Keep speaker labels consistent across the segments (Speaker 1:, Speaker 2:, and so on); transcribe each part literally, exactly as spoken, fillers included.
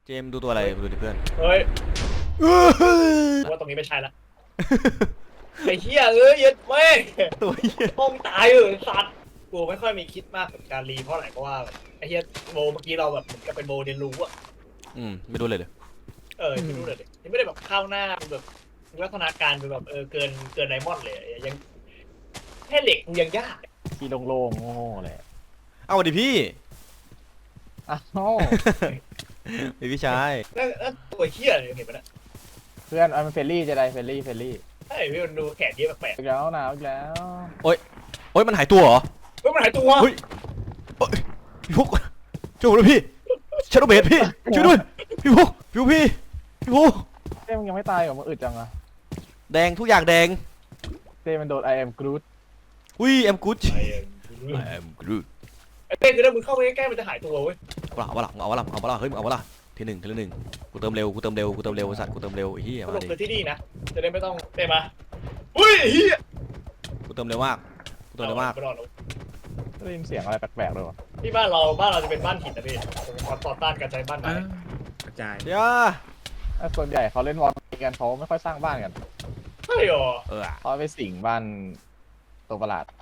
Speaker 1: เจมส์ดูตัวอะไรดูดิเพื่อน
Speaker 2: เฮ้ยว่าตรงนี้ไม่ใช่ละไอ้เหี้ยเอ้ยเย็ดแม่
Speaker 1: ตัวเหี้ย
Speaker 2: ห้องตายเออสัตว์กูไม่ค่อยมีคิดมากกับการรีเพราะอะไรเพราะว่าไอ้เหี้ยโบเมื่อกี้เราแบบเหมือนกับเป็นโบเรียนรู้อะ
Speaker 1: อืมไม่ดูเลยเลย
Speaker 2: เออไม่รู้เลยยังไม่ได้แบบเข้าหน้าแบบวัฒนาการเป็นแบบเออเกินเกินไดมอนด์เลยยังแค่เหล็กยังยาก
Speaker 3: ที่โล่งๆโง่ๆเลย
Speaker 1: เอาดิพี่
Speaker 3: อ้าว
Speaker 1: พี่ชาย
Speaker 2: แล้วตัวเหี้ยเลยเห็นปะเนี่ย
Speaker 3: เพื่อนเอาเป็นเฟรลี่จะได้เฟรลี่เฟรลี่
Speaker 2: ใช่พี่มันดูแขนเยอะแปลก
Speaker 3: อีกแล้วหนาวอีกแล้ว
Speaker 1: โอ๊ยโอ๊ยมันหายตัวเหรอ
Speaker 2: ๆเฮ้ยมันหายตัว
Speaker 1: เฮ้ยพี่พุกช่วยผมด้วยพี่ชาโดว์เบดพี่ช่วยด้วยพี่พุกพี่พุกพี่พี่พุก
Speaker 3: เต้มันยังไม่ตายเหรอมันอึดจังอะ
Speaker 1: แดงทุกอย่างแดง
Speaker 3: เต้มันโดน I am Groot
Speaker 1: อุ้ยแอมกูด
Speaker 2: ไอ้
Speaker 1: แอมกูด
Speaker 2: ไอ้เต้คือถ้ามึงเข้าไปใกล้ๆมันจะหายตัวเว้ย
Speaker 1: เอาวะล่ะเอาวะล่ะเอาวะล่ะเฮ้ยเอาวะล่ะทีหนึ่งทีละหนึ่งกูเติมเร็วกูเติมเร็วกูเติมเร็วสัตว์กูเติมเร็วไอ้เหี้ย
Speaker 2: ส
Speaker 1: มาดิ
Speaker 2: รุปคือที่นี่นะจะได้ไม่ต้องเต้มาอุ้ยเฮีย
Speaker 1: กูเติมเร็วมากกูเติมเร็วมาก
Speaker 3: ได้ยินเสียงอะไรแปลกๆเลยวะ
Speaker 2: ที่บ้านเราบ้านเราจะเป็นบ้านหินนะพี่ต่อต้านการใช้บ้านไม้
Speaker 4: กระจาย
Speaker 1: เดี๋ยว
Speaker 3: ส่วนใหญ่เขาเล่นวอลกันเขาไม่ค่อยสร้างบ้านกัน
Speaker 2: ใช่หรอ
Speaker 1: เออ
Speaker 3: เขาไปสิงบ้านตัวประหลาด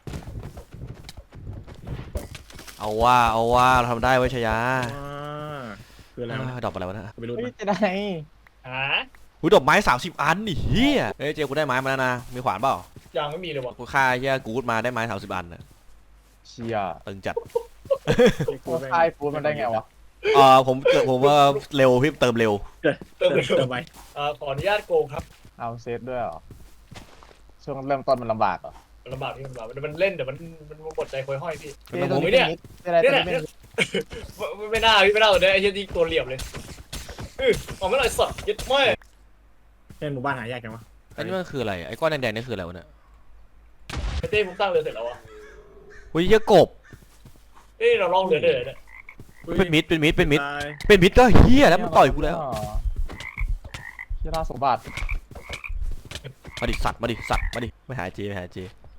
Speaker 1: เอาว่าเอาว่าเราทำได้ไว้ชยา
Speaker 4: คืออะไร
Speaker 1: ดอกอะไรวะนะ
Speaker 4: ไม่รู้
Speaker 3: จะได้
Speaker 2: ฮะ
Speaker 1: หุ้ยดอกไม้สามสิบอันนี่เฮียเฮ้ยเจกูได้ไม้มาแล้วนะมีขวานเปล่า
Speaker 2: ยังไม่มีเลยวะ
Speaker 1: กูฆ่าเฮียกูดมาได้ไม้สามสิบอันนะ
Speaker 3: เชีย
Speaker 1: ตึงจัด
Speaker 3: กูคายฟูดมันได้ไงวะ
Speaker 1: เออผมเกิดผมว่าเร็วพี่เติมเร็ว
Speaker 2: เติมเติมไปขออนุญาตโกงครับ
Speaker 3: เอาเซตด้วยเหรอช่วงเริ่มต้นมันลำบากเหรอ
Speaker 2: ลำบากพี่ลำบากมันเล่นเดี๋ยวมันมันหมดใจคอยห้อยพี่
Speaker 3: ผม
Speaker 2: ไม่เนี่ย
Speaker 3: เนี่ย
Speaker 2: ไม่น่าพี่ไม่น่าเลยไอ้เหี้ยที่ตัวเหลี่ยมเลยอือออกไม่หน่อยสัตว์ยึดไม่
Speaker 4: เป็นหมู่บ้านหายากจังวะ
Speaker 1: อันนี้มันคืออะไรไอ้ก้อนแดงๆนี่คืออะไรวะเนี่ย
Speaker 2: ไอ้เต้ผมสร้างเรือเสร็จแล้วอ่ะ
Speaker 1: หุ้ยเฮียกบ
Speaker 2: เอ้เราลองเรือเดินเนี่ย
Speaker 1: เป็นมิดเป็นมิดเป็นมิดเป็นมิดก็เฮียแล้วมันต่อยกูแล้ว
Speaker 3: เฮียราสมบัติ
Speaker 1: มาดิสัตว์มาดิสัตว์มาดิไม่หาเจไม่หาเจ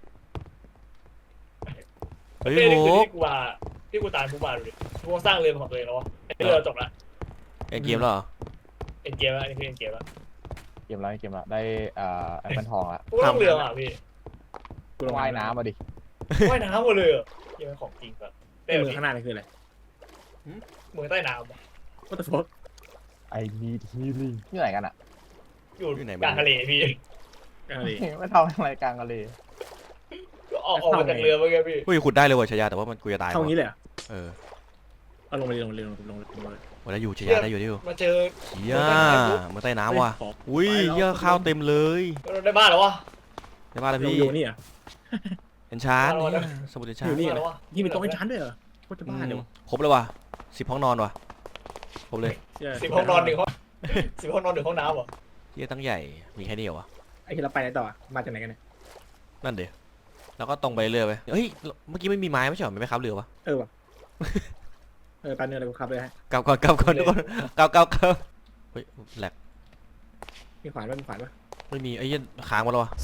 Speaker 2: เฮ้ยโหที่กูว่าที่กูตายกูมาดูดิกูสร้างเรือของตัวเองแล้ววะไอ้เรือจบละ
Speaker 1: เอ็นเกมแล้วเหรอ
Speaker 2: เอ็นเกมแล้วนี่คือเอ็นเกมแล้ว
Speaker 3: เกมแล้วเกมแล้วได้อ่าไอ้เป็นทองละ
Speaker 2: กูต้องเรืออ่ะพี่
Speaker 3: กูว่ายน้ำมาดิ
Speaker 2: ว่ายน้ำมาเลยยังเป็นของจริงแบบ
Speaker 4: เต้มือข้างหน้านี่คืออะไร
Speaker 2: มือใต้น้ำ
Speaker 4: What the fuck
Speaker 3: I need healing ที่ไหนกันอ่ะ
Speaker 2: อยู่กลางทะเลพี่
Speaker 4: กลางทะเล
Speaker 3: ไม่ทำอะไรกลางทะเล
Speaker 2: ก็ออกออกมาจากเรือเมื่อกี้พี่
Speaker 1: อุ้ยขุดได้เลยว่ะชายาแต่ว่ามันกูจะตาย
Speaker 4: เท่านี้เลย
Speaker 1: เออ
Speaker 4: เอาลงไปลงไปลงลงลงเลย
Speaker 1: วันนั้นอยู่ชายาได้อยู่ได้อยู่
Speaker 2: มาเจอ
Speaker 1: เฮียมาใต้น้ำว่ะอุ้ยเฮียข้าวเต็มเลย
Speaker 2: ได้บ้านหรอวะ
Speaker 1: ได้บ้านแล้วพี่
Speaker 4: อยู่นี่อ่ะ
Speaker 1: เอ็นชาร์ดสมุดเอ็นชาร์ด
Speaker 4: อยู่นี่เหรอยี่มีโต๊ะเอ็นชาร์ดด้วยเหรอโคตรบ้าเลยวะ
Speaker 1: ครบเลยว่ะสิบห้องนอนว่ะครบเลย
Speaker 2: สิบห้องนอนหนึ่งห้องสิบห้องนอนหนึ่งห้องน้ำวะ
Speaker 1: เฮียตั้งใหญ่มีแค่นี้เหรอวะ
Speaker 4: ไอ้ที่เราไปไหนต่อมาจากไหนกันเนี่ย
Speaker 1: นั่นเดี๋ยวแล้วก็ตรงไปเรื่อยไปเฮ้ยเมื่อกี้ไม่มีไม้ไม่ใช่หรอไม่ขับเรือวะ
Speaker 4: เออวะเออการเนื้ออะไรกูขับเลยฮะ
Speaker 1: กลับก่อนกลับก่อนทุกคนกลับกลับกลับเฮ้ยแหลก
Speaker 4: มีขวานป่ะมีขวานป่ะ
Speaker 1: ไม่มีไอ้ยันค้างมาแล้ววะ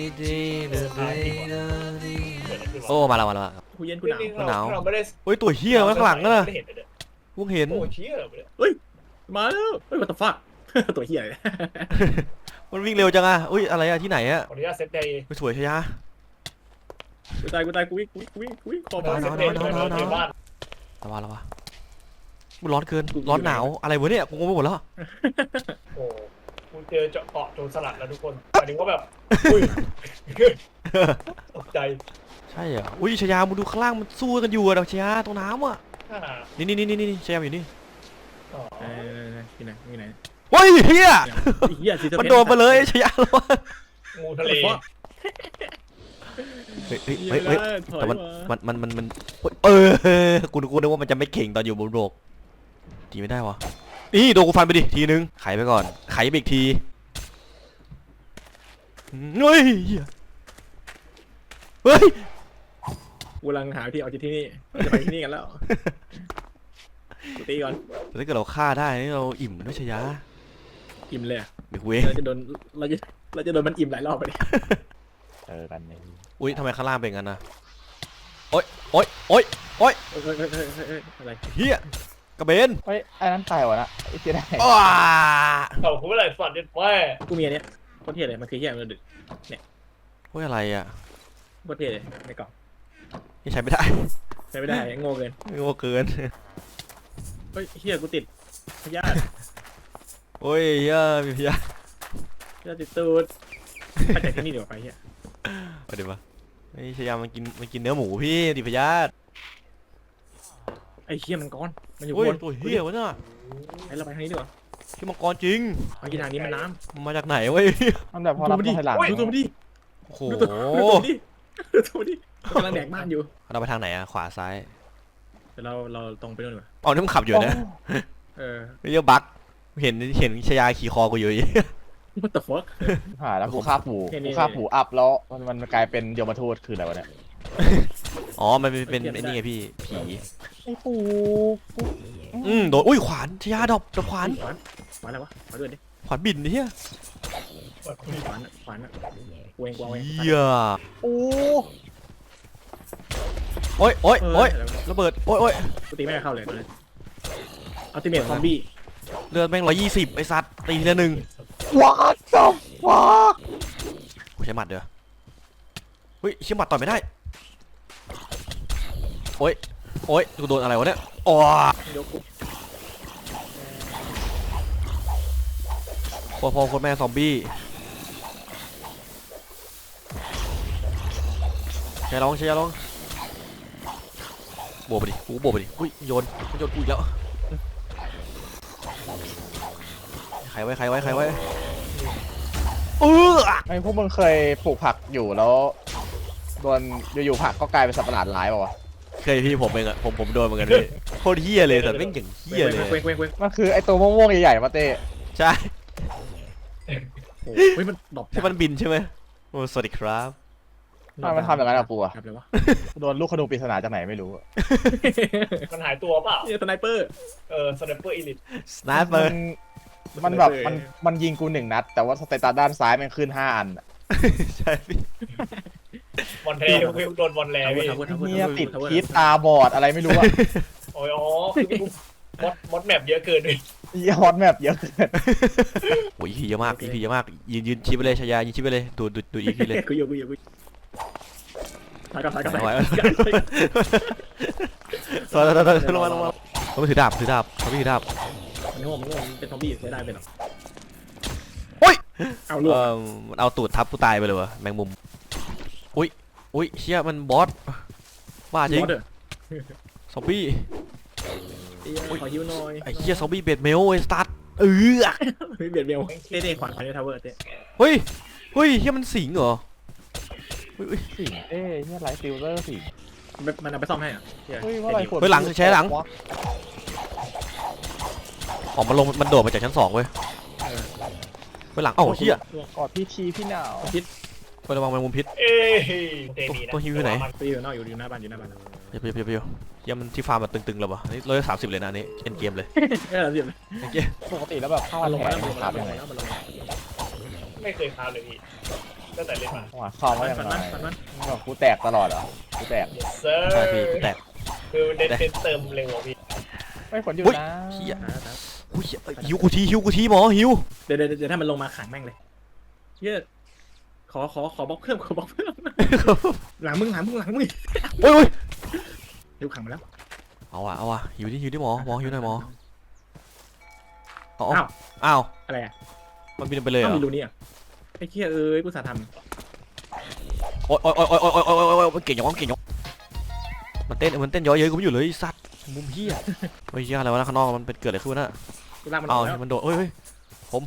Speaker 1: โอ้มาแล้วมาแล้ว
Speaker 4: กูเย็นกูหนาว
Speaker 1: กูหนาวเฮ้ยตัวเฮี้ยข้างหลังน่ะกูเห็น
Speaker 4: เฮ้ยมาแล้วเฮ้ย what the fuck ตัวเฮี้ยเลย
Speaker 1: มันวิ่งเร็วจังอ่ะอุ้ยอะไรอะที่ไหนอะ
Speaker 2: ขออนุญาตเซตเดย์
Speaker 1: ไปสวยชยา
Speaker 4: กูตายกูตายกูวิ่งกูวิ่งกูวิ่งขอบ้าน
Speaker 2: เซตเดย์นอนนอนบ้าน
Speaker 1: ระวังระวังมันร้อนเกินร้อนหนาวอะไรวะเนี่ยกูงงไปหมดแล้ว
Speaker 2: โอ้กูเจอเจาะเกาะโจรสลัดแล้วทุกคนหมายถึงว่าแบบอุ้ยตกใจ
Speaker 1: ใช่เหรออุ้ยชยามึงดูข้างล่างมันสู้กันอยู่อะดอกชยาตรงน้ำอะนี่นี่นี่นี่นี่ชยาอยู่นี่
Speaker 4: เออที่ไหนที่ไหน
Speaker 1: เฮ้ยเฮียมันโดนไปเลยชยาแล้ว
Speaker 2: งูทะเล
Speaker 1: เฮ้ยเฮ้ยเฮ้ยแต่มันมันมันมันมันเออกูกูนึกว่ามันจะไม่เข่งตอนอยู่บนโลกทีไม่ได้วะนี่โดนกูฟันไปดิทีนึงไขไปก่อนไขไปอีกทีเฮ้ยเฮ้ย
Speaker 4: กูกำลังหาที่เอาที่นี่จะไปที่นี่กันแล้วตีก่อน
Speaker 1: ถ้าเกิดเราฆ่าได้นี่เราอิ่มด้วยชยา
Speaker 4: อิ่มเลย
Speaker 1: ไม่คุย
Speaker 4: เราจะโดนเราจะเราจะโดนมันอิ่มหลายรอบไปดิ
Speaker 3: เจอกันนี่
Speaker 1: อุ้ยทำไมข้างล่างเป็นงั้นนะโอ๊ยโอ๊ยโอ๊ยโอ๊ย
Speaker 4: อะไร
Speaker 1: เฮียกระเบน
Speaker 3: เฮ้ยไอ้นั้นตายวะนะไอ้เจ๊ได้
Speaker 1: อ้า
Speaker 2: เขาคุณอะไรสัตว์เนี่ยแม่
Speaker 4: กูมีอันเนี้ยโคตรเท่เลยมันคือเหี้ยมันดึก
Speaker 1: เฮ้ยอะไรอ่ะ
Speaker 4: โคตรเท่เลยในกล่อง
Speaker 1: นี่ใช้ไม่ได้
Speaker 4: ใช้ไม่ได้โง่เกิน
Speaker 1: โง่เกิน
Speaker 4: เฮ้ยเหี้ยกูติดพยาธิ
Speaker 1: โอ้ยเฮียมีพยา
Speaker 4: พยาธิติดตูดไปจากที่นี่เดี๋ยวไปเหี้ย
Speaker 1: เอาเดี๋ยวมาไอ้ชายามันกินมันกินเนื้อหมูพี่ดิพยาธิ
Speaker 4: ไอ้เหี้ยมังกรมันอยู่
Speaker 1: โอ้ย
Speaker 4: บน
Speaker 1: ตัวเฮียวะน่ะ
Speaker 4: ไอ้เราไปทางนี้ดีกว่า
Speaker 1: พี่มังกรจริง
Speaker 4: เมื่อกี้ทางนี้มันน้
Speaker 1: มันมาจากไหนเว้ย
Speaker 3: มันแบบพอรับถอยหลัง
Speaker 4: ำดูตัวมันดิ
Speaker 1: โอ้โห
Speaker 4: ดูตัวดูตัวมันดิดูตัวมันดิกำลังแดกบ้านอยู่
Speaker 1: เราไปทางไหนอะขวาซ้าย
Speaker 4: เดี๋ยวเราเราตรงไปนู่นดีกว่า
Speaker 1: อ๋อนี่มันขับอยู่นะ
Speaker 4: เออ
Speaker 1: เรียกบั๊กเห็นเห็นชายาขี่คอกูอยู่
Speaker 4: what the fuck
Speaker 3: หาแล้วกูฆ่าผู
Speaker 4: เนี่ยนี่
Speaker 3: กูฆ่าผูอัพแล้วมันมันกลายเป็นยมทูตคืออะไรวะเนี่ย
Speaker 1: อ๋อมันเป็นเป็นไอ้นี่ไงพี่ผี
Speaker 3: ไอ้ผูกู
Speaker 1: อืมโดนอุ้ยขวานชายาดอกดอกขวาน
Speaker 4: ขวานขวานอะไรวะขวานด้วยดิ
Speaker 1: ขวานบินเฮีย
Speaker 4: ขวานอะขวานอะกูเองกูเอาเอง
Speaker 1: เฮีย
Speaker 3: โอ้
Speaker 1: โอ้ยโอ้ย
Speaker 4: เออ
Speaker 1: โอ้ย
Speaker 4: เดี๋ยว
Speaker 1: ระเบิดโอ้ยโอ้ย
Speaker 4: กูตีไม่ได้เข้าเลยตอนนี้อัลติเมทซอมบี้
Speaker 1: เลือดแม่งร้อยยี่สิบไอ้สัตว์ตีทีละหนึ่ง
Speaker 3: what the fuck
Speaker 1: กูใช้หมัดเดี๋ยวเฮ้ยใช้หมัดต่อยไม่ได้โอ้ยโอ้ยกูโดนอะไรวะเนี่ยอ๋อย
Speaker 4: กกู
Speaker 1: พ่อพ่อคนแม่ซอมบี้ใช้ร้องใช้ร้องโบกไปดิกูโบกไปดิอุ้ยโยนโยนกูอีกแล้วใครไว้ใครไว้ใครไว้เออ
Speaker 3: ไอ้พวกมึงเคยปลูกผักอยู่แล้วโดนอยู่ๆผักก็กลายเป็นสัตว์ประหลาดร้ายเปล่าวะ
Speaker 1: เคยพี่ผมเองอะผมผมโดนเหมือนกันเลยโคตรเฮี้ยเลยแต่แม่งอย่างเฮี้ยเลย
Speaker 4: เว้งเว้งเว้ง
Speaker 3: มันคือไอ้ตัวม่วงๆใหญ่ๆมาเต้
Speaker 1: ใช่
Speaker 4: เฮ้ยมันดรอป
Speaker 1: ที่มันบินใช่ไหมโอ้สวัสดีครับ
Speaker 3: ทำไมมันทำอย่างนั้นอะปูอะ
Speaker 4: ครับเลยวะ
Speaker 3: โดนลูกขนูปริศนาจากไหนไม่รู้อะ
Speaker 2: มันหายตัวเปล่า
Speaker 4: นี่สไนเปอร์
Speaker 2: เออสไนเปอร์อีลิท
Speaker 1: สไนเปอ
Speaker 3: มั
Speaker 1: ร์
Speaker 3: นมันแบบมันมันยิงกูหนึ่งนัด แต่ว่าสเตตัสด้านซ้ายมันขึ้นห้าอันอะ
Speaker 1: ใช่พี่
Speaker 2: บอลแทพี่โดนบอลแลพี่
Speaker 3: เนี่ยติดพิษตาบอดอะไรไม่รู้อะ
Speaker 2: โอ้ยอ๋อคือมดมดแมปเยอะเกินเลย
Speaker 3: ยฮอตแมปเยอะเกิน
Speaker 1: โอ้ยอีพีเยอะมากอีพีเยอะมากยืนยืนชี้ไปเลยชายายืนชี้ไปเลยดูดูดูอีพีเลย
Speaker 4: กูอยู่กูอยู่กูถ่ายกับถ่ายกับ
Speaker 1: ไหว
Speaker 4: ถ่าย
Speaker 1: ถอยถอยถอยถอยลงมาลงมาเขาไม่ถือดาบถือดาบเขาไม่ถือดาบ
Speaker 4: มันโง่มันโง่มันเป็นซอมบี้ใช้ได้เป็นหรอ
Speaker 1: โอ้ย
Speaker 4: เอาลูก
Speaker 1: เออมันเอาตูดทับกูตายไปเลยวะแมงมุมอุ้ยอุ้ยเชี่ยมันบอสบ้าจริง
Speaker 4: เด้อ
Speaker 1: ซอมบี้
Speaker 4: ขอฮิวหน่อย
Speaker 1: ไอ้เชี่ยซอมบี้เบดเมลไอ้สตาร์ทเออ
Speaker 4: ไม่เบียดเบลเต้เต้ขวานขวานทาวเวอร์เต้
Speaker 1: เฮ้ยเฮ้ยเชี่ยมันสิงเหรอเฮ้ย
Speaker 3: สิงเอ้ยเนี่ยไลท์ฟิลเตอร์สิง
Speaker 4: มันเอาไปซ่อมให้อ่ะ
Speaker 3: เฮ้ยว่าอะไรขวด
Speaker 1: เฮ้ยหลังใช้หลังออกมาลงมันโดดมาจากชั้นสองเว้ยเฮ้ยหลังเอ้าเชี่ย
Speaker 3: กอดพี่ชีพี่หนาว
Speaker 4: พิษ
Speaker 1: ไประวังแมงมุมพิษ
Speaker 2: เอ้ยเตมีนะ
Speaker 1: ตัวฮิวอยู่ไหน
Speaker 4: ไปอยู่นอกอยู่อยู่หน้าบ้านอยู่หน้าบ้าน
Speaker 1: เดี๋ยวเดี๋ยวเดี๋ยวเชี่ยมันที่ฟาร์มมันตึงๆแล้ววะอันนี้ร้อยสามสิบเลยนะอันนี้เอ็นเกมเลย
Speaker 4: เออเรียบ
Speaker 1: เอ็นเกม
Speaker 3: ปกติแล้วแบบเข้า
Speaker 4: มันล
Speaker 3: ล
Speaker 4: ง
Speaker 3: ง
Speaker 4: มา
Speaker 3: มา
Speaker 4: แล้ว
Speaker 3: แล้ว
Speaker 4: มันลง
Speaker 3: ครั
Speaker 4: มา
Speaker 3: บยังไง
Speaker 4: แล้วมันลงมา
Speaker 2: ไม่เคยคาเลยพี่ตั้งแต่เล่นมา
Speaker 3: หัวคอม
Speaker 4: ฟั
Speaker 3: ว่าน ยัง
Speaker 4: ฟัน
Speaker 3: ไง
Speaker 4: มันฟันมัน
Speaker 3: แบบกูแตกตลอดเหรอกูแตก
Speaker 2: เซอร์
Speaker 1: ใช่พี่แตก
Speaker 2: คือเน้นเน้นเติมเร็วพี่
Speaker 3: ไม่ผลอยู่
Speaker 1: อุ๊ย
Speaker 3: นะ
Speaker 1: เชี่ยอุ้ยเอ้ยหิวกูทีหิวกูทีหมอหิว
Speaker 4: เดี๋ยวเดี๋ยวเดี๋ยวถ้ามันลงมาขังแม่งเลยเชี่ยขอขอขอบล็อกเพิ่มขอบล็อกเพิ่มหลังมึงหลังมึงหลังมึง
Speaker 1: โอ้ยโอ้ย
Speaker 4: หิวขังมาแล้ว
Speaker 1: เอาว่ะเอาว่ะหิวดิหิวดิหมอหมอหิวหน่อยหมอเอา
Speaker 4: อ้าว
Speaker 1: อ้าว
Speaker 4: อะไรอ่ะ
Speaker 1: มันบินไปเลยเหร
Speaker 4: ต้อ
Speaker 1: อง
Speaker 4: มีรูนี่อ่ะไอ้เชี่ยเอ้ยกูสาท
Speaker 1: โอ้ยโอ้ยโอ้ยโอ้ยโอ้ยโอ้ยโอ้ยโอ้ยมันเก่งอย่างวะมันเก่งอย่างวะมันเต้นมันเต้นย้อยเย้ยกูไม่อยู่เลยไอ้สัตว์มุมเฮียเฮ้ยเฮียอะไรวะนะข้างนอกมันเป็นเกิดอะไรขึ้นวะน่ะ
Speaker 4: ำกูลากมันอ
Speaker 1: เอา
Speaker 4: อกแล้ว
Speaker 1: มันโดดเฮ้ยเฮ้ยผม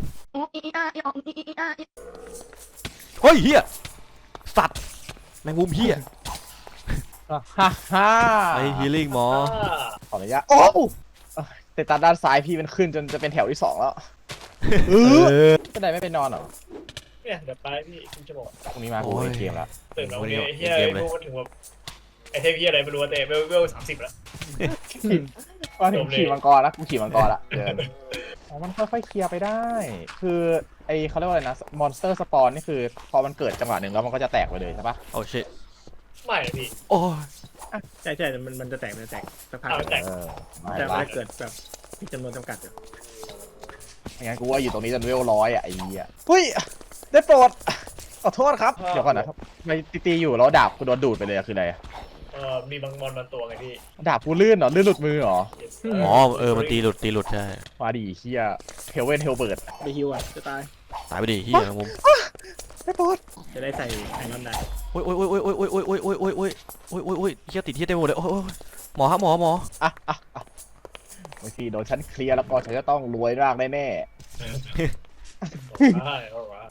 Speaker 1: เฮ้ยเฮียสัตว์แมงมุมเฮีย
Speaker 3: ฮ่าฮ่า
Speaker 1: ไอ้ฮีลิ่งหมอ
Speaker 3: ขออนุญาตโอ้สเตตัสด้านซ้ายพี่มันขึ้นจนจะเป็นแถวที่สองแล้วเออก็ได้ไม่ไปนอนเหรอ
Speaker 2: เนี่ยเดี๋ยวไปพี่คุณจะบอก
Speaker 3: พรุ่งนี้มากูเล่นเกมแล้ว
Speaker 2: ตื่นแล้วเนี่ยเฮียพวกมันถึงแบบไอเทพเฮียอะไรไม่รู้แต่เวลเวลสามสิบแล้ว
Speaker 3: มาถึงขี่มังกรแล้วกูขี่มังกรละเดินอ๋อมันค่อยๆเคลียร์ไปได้ คือไอเขาเรียกว่าอะไรนะมอนสเตอร์สปอนนี่คือพอมันเกิดจังหวะหนึ่งแล้วมันก็จะแตกไปเลยใช่ปะ
Speaker 1: โอ้ชิ
Speaker 2: ไม่นะพี่
Speaker 1: โอ้ย
Speaker 4: ใช่ใช่มันมันจะแตกมันจะแตกสักพัก
Speaker 2: เอาแตก
Speaker 3: เออไม่
Speaker 4: แต่
Speaker 3: ละ
Speaker 4: มันจะเกิดแบบมีจำนวนจำกัดอยู่
Speaker 3: ไม่งั้นกูว่าอยู่ตรงนี้จนเวลร้อยอ่ะไอ้เหี้ยเฮ้ยได้โปรดขอโทษครับเดี๋ยวก่อนนะครับไม่ตีๆอยู่แล้วดาบกูโดนดูดไปเลยอะคืออะไรอะ
Speaker 2: เออมีบางมอนบางตัวไงพี่
Speaker 3: ดาบกูลื่นเหรอลื่นหลุดมือเหรอ
Speaker 1: อ๋อเออมันตีหลุดตีหลุดใช่
Speaker 3: มาดิเฮียเฮลเวนเฮลเบิร์ด
Speaker 4: ไปฮิวอ่ะจะตาย
Speaker 1: ตายไปดิเฮียมุม
Speaker 3: ได้โปรด
Speaker 4: จะได้ใส่ไอรอนได้
Speaker 1: โอ้ยโอ้ยโอ้ยโอ้ยโอ้ยโอ้ยโอ้ยโอ้ยโอ้ยโอ้ยโอ้ยโอ้ยโอ้ยเฮียติดเฮียเต็มหมดเลยโอ้ยโอ้ยหมอครับหมอหมอ
Speaker 3: อ่ะอ่ะอ่ะบางทีโดนฉันเคลียร์แล้วก็ฉันจะต้องรวยร่างแน่
Speaker 2: ใช่เอาวะ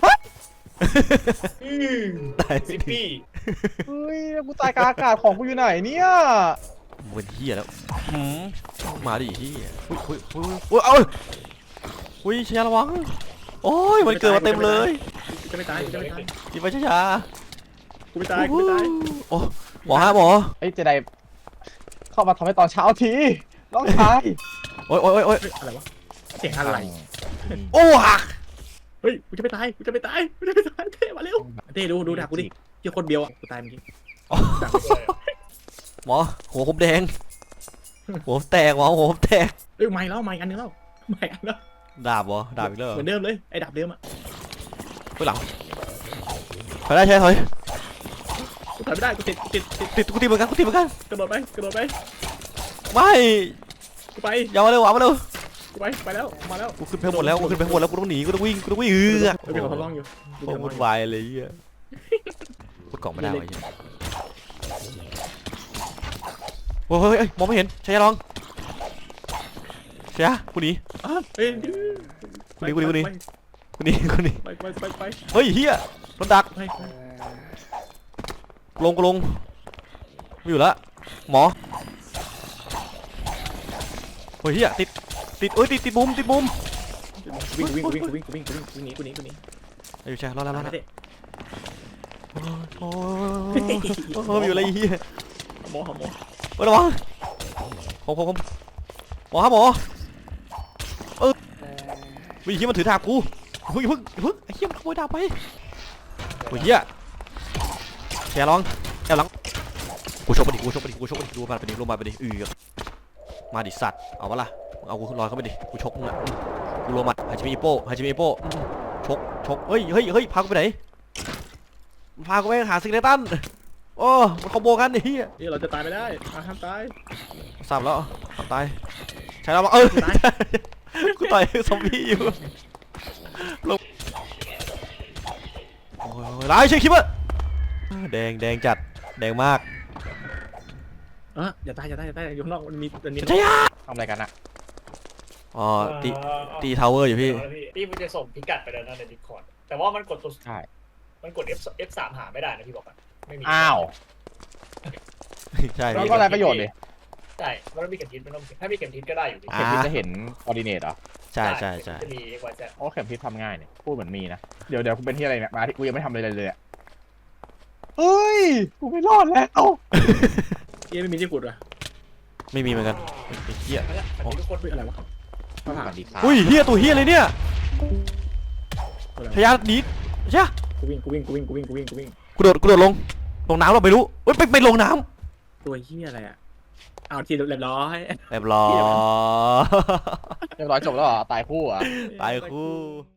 Speaker 1: ตาย
Speaker 2: ซิปปี้
Speaker 3: ๆเฮ้ยกูตายกลางอากาศของกูอยู่ไหนเนี่ย
Speaker 1: มึงเป็นเฮียแล้วหืมมาดิเฮียอุ้ยอุ้ยอุ้ยอุ้ยเอาอุ้ยชยาระวังโอ้ยมันเกิดมาเต็มเลย
Speaker 4: กูจะไม่ตายกูจะไม่ตาย
Speaker 1: จีบไปชยา
Speaker 4: กูไม่ตายกูไม่ตาย
Speaker 1: โอ้หมอฮะหมอ
Speaker 3: เอ้ยเจไดเข้ามาทำให้ตอนเช้าทีน้องชาย
Speaker 1: โอ้ยโอ้ยโอ้ยโอ้ย
Speaker 4: เฮ้ยอะไรวะเสียงอะไร
Speaker 1: โอ้หัก
Speaker 4: เฮ้ยกูจะไม่ตายกูจะไม่ตายกูจะไม่ตายเท่มาเร็วเท่ดูดูดักกูดิเจ้าคนเดียวอ่ะกูตายเมื่อกี้ดัก
Speaker 1: หมอหัวผมแดงหัวผมแตกหมอหัวผมแตก
Speaker 4: เอ้ยไม่แล้วไม่อันนึงแล้วไม่อันแล้ว
Speaker 1: ดาบเหรอดาบอีกแล้วเหรอ
Speaker 4: เหมือนเดิมเลยไอ้ดับเดิมอ่ะ
Speaker 1: ไปหลังถอยได้ใช่ถอย
Speaker 4: กูถอยไม่ได้กูติดกูติดติด
Speaker 1: ติดกูติดเหมือนกันกูติดเหมือนกัน
Speaker 4: กระโดดไปกระโดดไป
Speaker 1: ไม่
Speaker 4: กูไป
Speaker 1: อย่ามาเร็วอ่ะมาเร็ว
Speaker 4: กูไปไปแล้วมาแล้ว
Speaker 1: กูขึ้นไปหมดแล้วกูขึ้นไปหมดแล้วกูต้องหนีกูต้องวิ่งกูต้องวิ่งเออ
Speaker 4: เฮ้ยมีคนทดลองอยู่
Speaker 1: โคตรวุ่นวายเลยเฮียพูดกล่องไม่ได้วะเฮียโอ้ยเฮ้ยเฮ้ยมองไม่เห็นใช่ยังลองใช่ยะกูหนี
Speaker 4: อ่ะเฮ้ย
Speaker 1: กูหนีกูหนีกูหนีกูหนีกูหนี
Speaker 4: ไปไปไปไป
Speaker 1: เฮ้ยเฮียโดนดัก
Speaker 4: ไป
Speaker 1: กูลงกูลงไม่อยู่ละหมอเฮ้ยเฮียติดติดเอ้ยติดติดมุมติดมุม
Speaker 4: วิ่งวิ่งวิ่งวิ่งวิ่งวิ่งวิ่งหนีกูหนีกูหนี
Speaker 1: ไอ้อยู่ใช่รอดแล้วรอดแล้ว
Speaker 4: เด็
Speaker 1: โอ้ยโอ้ยอยู่อะไรเฮีย
Speaker 4: หมอหมอ
Speaker 1: เฮ้ยระวังผมผมผมหมอครับหมอเออวิ่งเฮียมันถือดาบกูเฮ้ยเพิ่งเพิ่งไอ้เฮียมันขโมยดาบไปโอ้ยเฮียแกลองแกหลังกูชกไปดิกูชกไปดิกูชกไปดิดูมาไปดิลงมาไปดิอือมาดิสัตว์เอาวะล่ะเอากูลอยเข้าไปดิกูชกมึงอ่ะกูลงมาฮาจิมิอิโป้ฮาจิมิอิโป้ชกชกเฮ้ยเฮ้ยเฮ้ยพากูไปไหนพากูไปหาซิกเนตันโอ้มันคอมโบกันไอ้เฮีย
Speaker 4: นี่เราจะตายไม่ได้อ่ะห้ามตาย
Speaker 1: สับแล้วทำตายใช้แล้วมาเออกูต่อยซอมบี้อยู่ลงโอ้ยร้ายเช็คคิปอะแดงแดงจัดแดงมาก
Speaker 4: อ่ะอย่าตายอย่าตายอย่าตายอยู่ข้างนอกมันมีมันมี
Speaker 1: ใช่ยะ
Speaker 3: ทำอะไรกันอะ
Speaker 1: อ๋อตีตีทาวเวอร์อยู่พี่
Speaker 2: พี่มันจะส่งพิกัดไปแล้วนะในดิสคอร์ดแต่ว่ามันกดตัว
Speaker 3: ใช่
Speaker 2: มันกด F F สามหาไม่ได้นะพี่บอกอ่ะไม่มี
Speaker 3: อ้าว
Speaker 1: ใช่
Speaker 3: แล้ว
Speaker 1: พี่
Speaker 3: ก็อะไรประโยชน์ดิ
Speaker 2: ใช่มันต้องมีเข็มทิศมันต้องถ้ามีเข็มทิศก็ได้อยู่ดิ
Speaker 3: เข็มทิศจะเห็นคอร์ดิเนตเหรอ
Speaker 1: ใช่ใช่ใช่
Speaker 2: จะมี X Y Z
Speaker 3: โอ้เข็มทิศทำง่ายเนี่ยพูดเหมือนมีนะเดี๋ยวเดี๋ยวกูเป็นที่อะไรเนี่ยมาที่กูยังไม่ทำอะไรเลยเลยอะเฮ้ยกูไม่รอดแล้ว
Speaker 4: เอ๊ะไม่มีที่ขุดว่ะ
Speaker 1: ไม่มีเหมือนกันไอ้เฮีย
Speaker 2: นั่นแหละมันมีทุกคน
Speaker 4: เฮ้ยอะไรวะ
Speaker 3: สวัสดีครับ
Speaker 1: อุ้ยเฮียตัวเฮียเลยเนี่ย
Speaker 4: อะไร
Speaker 1: พยาหนีใช่
Speaker 4: กูวิ่งกูวิ่งกูวิ่งกูวิ่งกูวิ่งกูวิ่ง
Speaker 1: กูโดดกูโดดลงลงน้ำเราไม่รู้เอ้ยไปไปลงน้
Speaker 4: ตัวเหี้ยอะไรอ่ะเอาทีเรียบร้อย
Speaker 1: ำเรียบร้อย
Speaker 3: เรียบร้อยจบแล้วเหรอตายคู่เหรอ่ะ
Speaker 1: ตายคู่